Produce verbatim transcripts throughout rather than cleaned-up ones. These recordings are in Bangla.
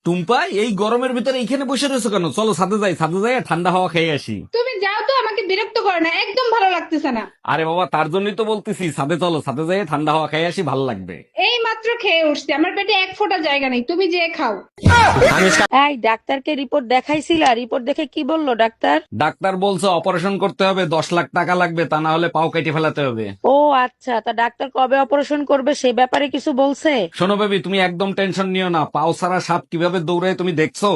টুম্পা, এই গরমের ভিতরে এইখানে বসে রয়েছো কেন? চলো ছাদে যাই, ছাদে যাই ঠান্ডা হাওয়া খেয়ে আসি। তুমি যাও তো, আমাকে বিরক্ত করো না, একদম ভালো লাগতেছে না। আরে বাবা, তার জন্যই তো বলতেছি ছাদে চলো, ছাদে যাই ঠান্ডা হাওয়া খেয়ে আসি, ভালো লাগবে। এই মাত্র খেয়ে উঠছি, আমার পেটে এক ফোঁটা জায়গা নেই, তুমি যে খাও। এই ডাক্তারকে রিপোর্ট দেখাইছিলা? রিপোর্ট দেখে কি বললো ডাক্তার? ডাক্তার বলছে অপারেশন করতে হবে, দশ লাখ টাকা লাগবে, তা না হলে পাও কেটে ফেলাতে হবে। ও আচ্ছা, তা ডাক্তার কবে অপারেশন করবে সে ব্যাপারে কিছু বলছে? শোনো বেবি, তুমি একদম টেনশন নিও না, পাও ছাড়া সাপ কিভাবে দৌড়ায় তুমি দেখছো?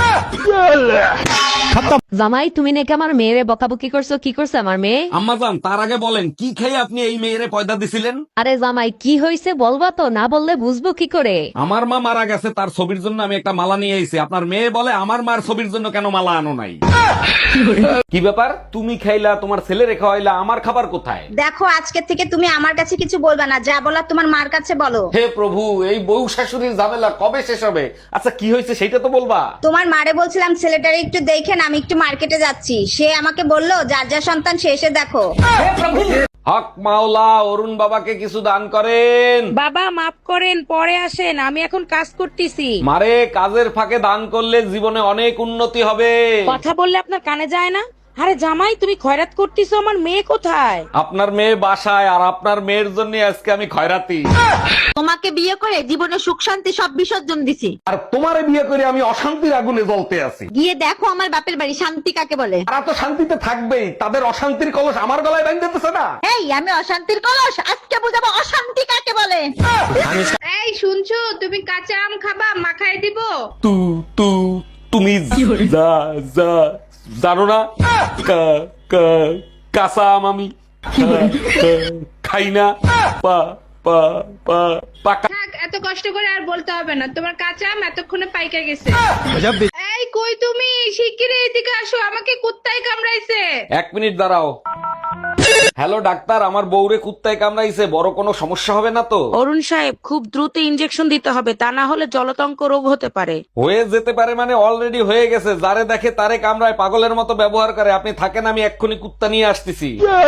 জামাই, তুমি নাকি আমার মেয়েরে বকাবকি করছো? কি করছে আমার মেয়ে? আম্মাজান, তার আগে বলেন কি খেয়ে আপনি এই মেয়েরে পয়দা দিছিলেন? আরে জামাই, কি হয়েছে বলবা তো, না বললে বুঝবো কি করে? আমার মা মারা গেছে, তার ছবির জন্য আমি একটা মালা নিয়ে আইছি। আপনার মেয়ে বলে আমার মার ছবির জন্য কেন মালা আনো নাই? কি ব্যাপার, তুমি খাইলা, তোমার ছেলে রেখা হইলা, আমার খাবার কোথায়? দেখো, আজকে থেকে তুমি আমার কাছে কিছু বলবা না, যা বলার তোমার মার কাছে বলো। হে প্রভু, এই বউ শাশুড়ির ঝামেলা কবে শেষ হবে? আচ্ছা, কি হয়েছে সেটা তো বলবা। তোমার মারে বলছিলাম ছেলেটারে একটু দেখেন, আমি একটু মার্কেটে যাচ্ছি। সে আমাকে বললো যার যা সন্তান সে এসে দেখো। হক মাওলা, অরুণ বাবাকে কিছু দান করেন। বাবা মাফ করেন, পরে আসেন, আমি এখন কাজ করতেছি। মারে, কাজের ফাঁকে দান করলে জীবনে অনেক উন্নতি হবে। কথা বললে আপনার কানে যায় না? আরে জামাই, তুমি খয়রাত করতেছো, আমার মেয়ে কোথায়? আপনার মেয়ে বাসায়, আর আপনার মেয়ের জন্য আজকে আমি খয়রাতি। তোমাকে বিয়ে করে জীবনে সুখ শান্তি সব বিসর্জন দিছি। আর তোমারে বিয়ে করে আমি অশান্তির আগুনে জ্বলতে আছি। গিয়ে দেখো আমার বাপের বাড়ি শান্তি কাকে বলে। তারা তো শান্তিতে থাকবেই, তাদের অশান্তির কলস আমার গলায় বাঁধতেছে না। এই আমি অশান্তির কলস, আজকে বুঝাবো অশান্তি কাকে বলে। এই শুনছো, তুমি কাঁচা আম খাবা, মাখায় দিব? তু তু তুমি যা যা জানো না, কা- কা- কাঁচা আম আমি খা- খা- খাই না। পা পা পা পাকা। থাক, এত কষ্ট করে আর বলতে হবে না, তোমার কাঁচা আম এতক্ষণে পাইকা গেছে। এই কই তুমি, শিগগিরই এদিকে আসো, আমাকে কুত্তায় কামড়াইছে। এক মিনিট দাঁড়াও। হ্যালো ডাক্তার, আমার বউরে কুত্তায় কামড়াইছে, বড় কোনো সমস্যা হবে না তো? অরুণ সাহেব, খুব দ্রুত ইনজেকশন দিতে হবে, তা না হলে জলতঙ্ক রোগ হতে পারে। হয়ে যেতে পারে মানে অলরেডি হয়ে গেছে। যারে দেখে তারে কামড়ায়, পাগলের মতো ব্যবহার করে। আপনি থাকেন, আমি এক্ষুনি কুত্তা নিয়ে আসতেছি।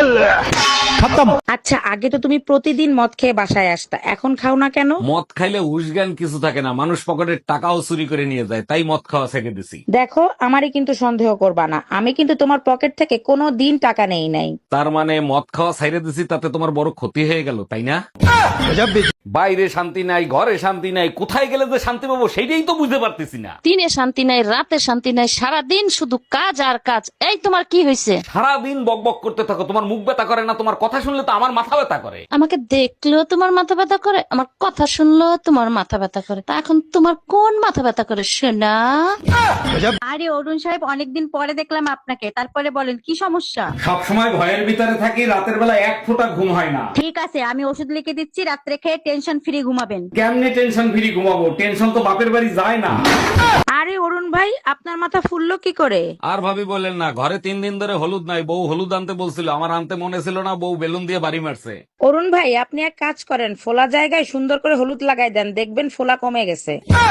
আচ্ছা, আগে তো তুমি প্রতিদিন মদ খেয়ে বাসায় আসতা, এখন খাও না কেন? মদ খাইলে উসগান কিছু থাকে না, মানুষ পকেটের টাকাও চুরি করে নিয়ে যায়, তাই মদ খাওয়া ছেড়ে দিছি। দেখো, আমারই কিন্তু সন্দেহ করবা না, আমি কিন্তু তোমার পকেট থেকে কোনো দিন টাকা নেই নাই। তার মানে মদ খাওয়া ছাইরে দিছি, তাতে তোমার বড় ক্ষতি হয়ে গেল, তাই না? বাইরে শান্তি নাই, ঘরে শান্তি নাই, কোথায় গেলে যে শান্তি পাবো সেইটাই তো বুঝতে পারতেছি না। দিনে শান্তি নাই, রাতে শান্তি নাই, সারাদিন শুধু কাজ আর কাজ। এই তোমার কি হয়েছে? সারাদিন বক বক করতে থাকো, তোমার মুখ ব্যথা করে না? তোমার কথা শুনলে তো আমার মাথা ব্যথা করে। আমাকে দেখলেও তোমার মাথা ব্যথা করে, আমার কথা শুনলেও তোমার মাথা ব্যথা করে। তা এখন তোমার কোন মাথা ব্যথা করে শোনা? আরে অরুণ সাহেব, অনেকদিন পরে দেখলাম আপনাকে, তারপরে বলেন কি সমস্যা। সবসময় ভয়ের ভিতরে থাকি, রাতের বেলা এক ফোঁটা ঘুম হয় না। ঠিক আছে, আমি ওষুধ লিখে দিচ্ছি, রাত্রে খেয়ে টেনশন ফ্রি ঘুমাবেন। কেমনে টেনশন ফ্রি ঘুমাবো? টেনশন তো বাপের বাড়ি যায় না। আরে অরুণ ভাই, আপনার মাথা ফুললো কি করে? আর ভাবি বলেন না, ঘরে তিন দিন ধরে হলুদ নাই, বউ হলুদ আনতে বলছিল, আমার আনতে মনে ছিল না, বউ বেলুন দিয়ে বাড়ি মারছে। অরুণ ভাই, আপনি এক কাজ করেন, ফোলা জায়গায় সুন্দর করে হলুদ লাগাই দেন, দেখবেন ফোলা কমে গেছে।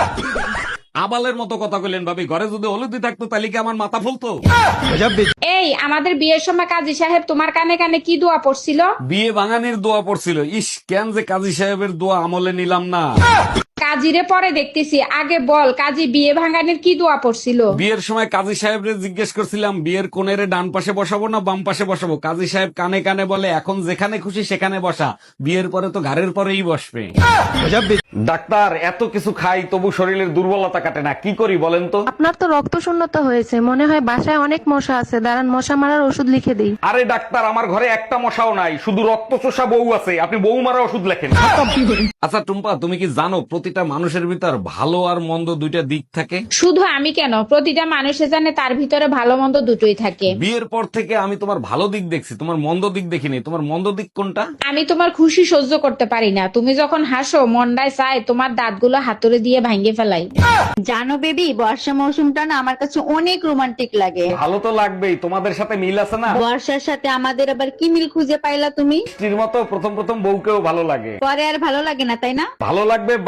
আবালের মতো কথা কইলেন ভাবি, ঘরে যদি হলুদই থাকতো তাহলে কি আমার মাথা ফুলতো? এই আমাদের বিয়ের সময় কাজী সাহেব তোমার কানে কানে কি দোয়া পড়ছিল? বিয়ে ভাঙানির দোয়া পড়ছিল। ইস, কেন যে কাজী সাহেবের দোয়া আমলে নিলাম না। কাজীরে পরে দেখতেছি, আগে বল কাজী বিয়ে ভাঙানোর কি দোয়া পড়ছিল? বিয়ের সময় কাজী সাহেবরে জিজ্ঞেস করছিলাম, বিয়ের কোণেরে ডান পাশে বসাবো না বাম পাশে বসাবো? কাজী সাহেব কানে কানে বলে, এখন যেখানে খুশি সেখানে বসা, বিয়ের পরে তো ঘাড়ের পরেই বসবে। ডাক্তার, এত কিছু খাই তবু শরীরের দুর্বলতা কাটে না, কি করি বলেন তো? আপনার তো রক্ত শূন্যতা হয়েছে, মনে হয় বাসায় অনেক মশা আছে, দাঁড়ান মশা মারার ওষুধ লিখে দিই। আরে ডাক্তার, আমার ঘরে একটা মশাও নাই, শুধু রক্ত চোষা বউ আছে, আপনি বউ মারা ওষুধ লেখেন। আচ্ছা টুম্পা, তুমি কি জানো প্রতিটা মানুষের ভিতর ভালো আর মন্দ দুইটা দিক থাকে? শুধু আমি কেন, প্রতিটা মানুষে জানে তার ভিতরে ভালো মন্দ দুটোই থাকে। বিয়ের পর থেকে আমি তোমার ভালো দিক দেখছি, তোমার মন্দ দিক দেখিনি। তোমার মন্দ দিক কোনটা? আমি তোমার খুশি সহ্য করতে পারি না, তুমি যখন হাসো মন্ডায় চায় তোমার দাঁতগুলো হাতুড়ে দিয়ে ভাঙে ফেলাই। জানো বেবি, বর্ষা মৌসুমটা না আমার কাছে অনেক রোমান্টিক লাগে। ভালো তো লাগবেই, তোমাদের সাথে মিল আছে না? বর্ষার সাথে আমাদের আবার কি মিল খুঁজে পাইলা তুমি? স্ত্রীর মতো প্রথম প্রথম বউকেও ভালো লাগে, পরে আর ভালো লাগে না, তাই না? ভালো লাগবে বাল, এক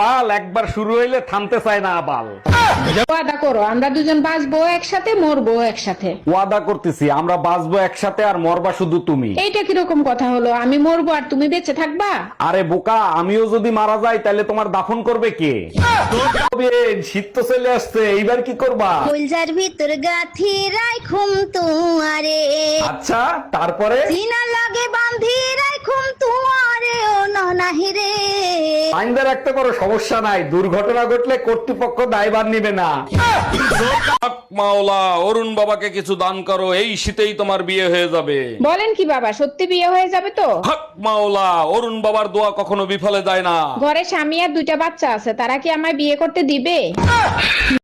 একবার শুরু হইলে থামতে চায় না আবাল। ওয়াদা করো আমরা দুজন বাঁচবো একসাথে, মরবো একসাথে। ওয়াদা করতেছি আমরা বাঁচবো একসাথে আর মরবা শুধু তুমি। এইটা কিরকম কথা হলো? আমি মরবো আর তুমি বেঁচে থাকবা? আরে বোকা, আমিও যদি মারা যাই তাহলে তোমার দাফন করবে কে? শীত তো চলে আসছে, এইবার কি করবা? ফুলজার ভিতর গাথি রাইখুম তুয়ারে, আচ্ছা তারপরে? সিনা লাগে বান্ধি রাইখুম তুয়ারে ও ননাহি রে। আইনদা রাখতে পারো, সমস্যা নাই, দুর্ঘটনা ঘটলে কর্তৃপক্ষ দায়ভার নিবে না। মাওলা, অরুণ বাবাকে কিছু দান করো, এই শীতেই তোমার বিয়ে হয়ে যাবে। বলেন কি বাবা, সত্যি বিয়ে হয়ে যাবে তো? হক মাওলা, অরুণ বাবার দোয়া কখনো বিফলে যায় না। ঘরে স্বামী আর দুইটা বাচ্চা আছে, তারা কি আমায় বিয়ে করতে দিবে?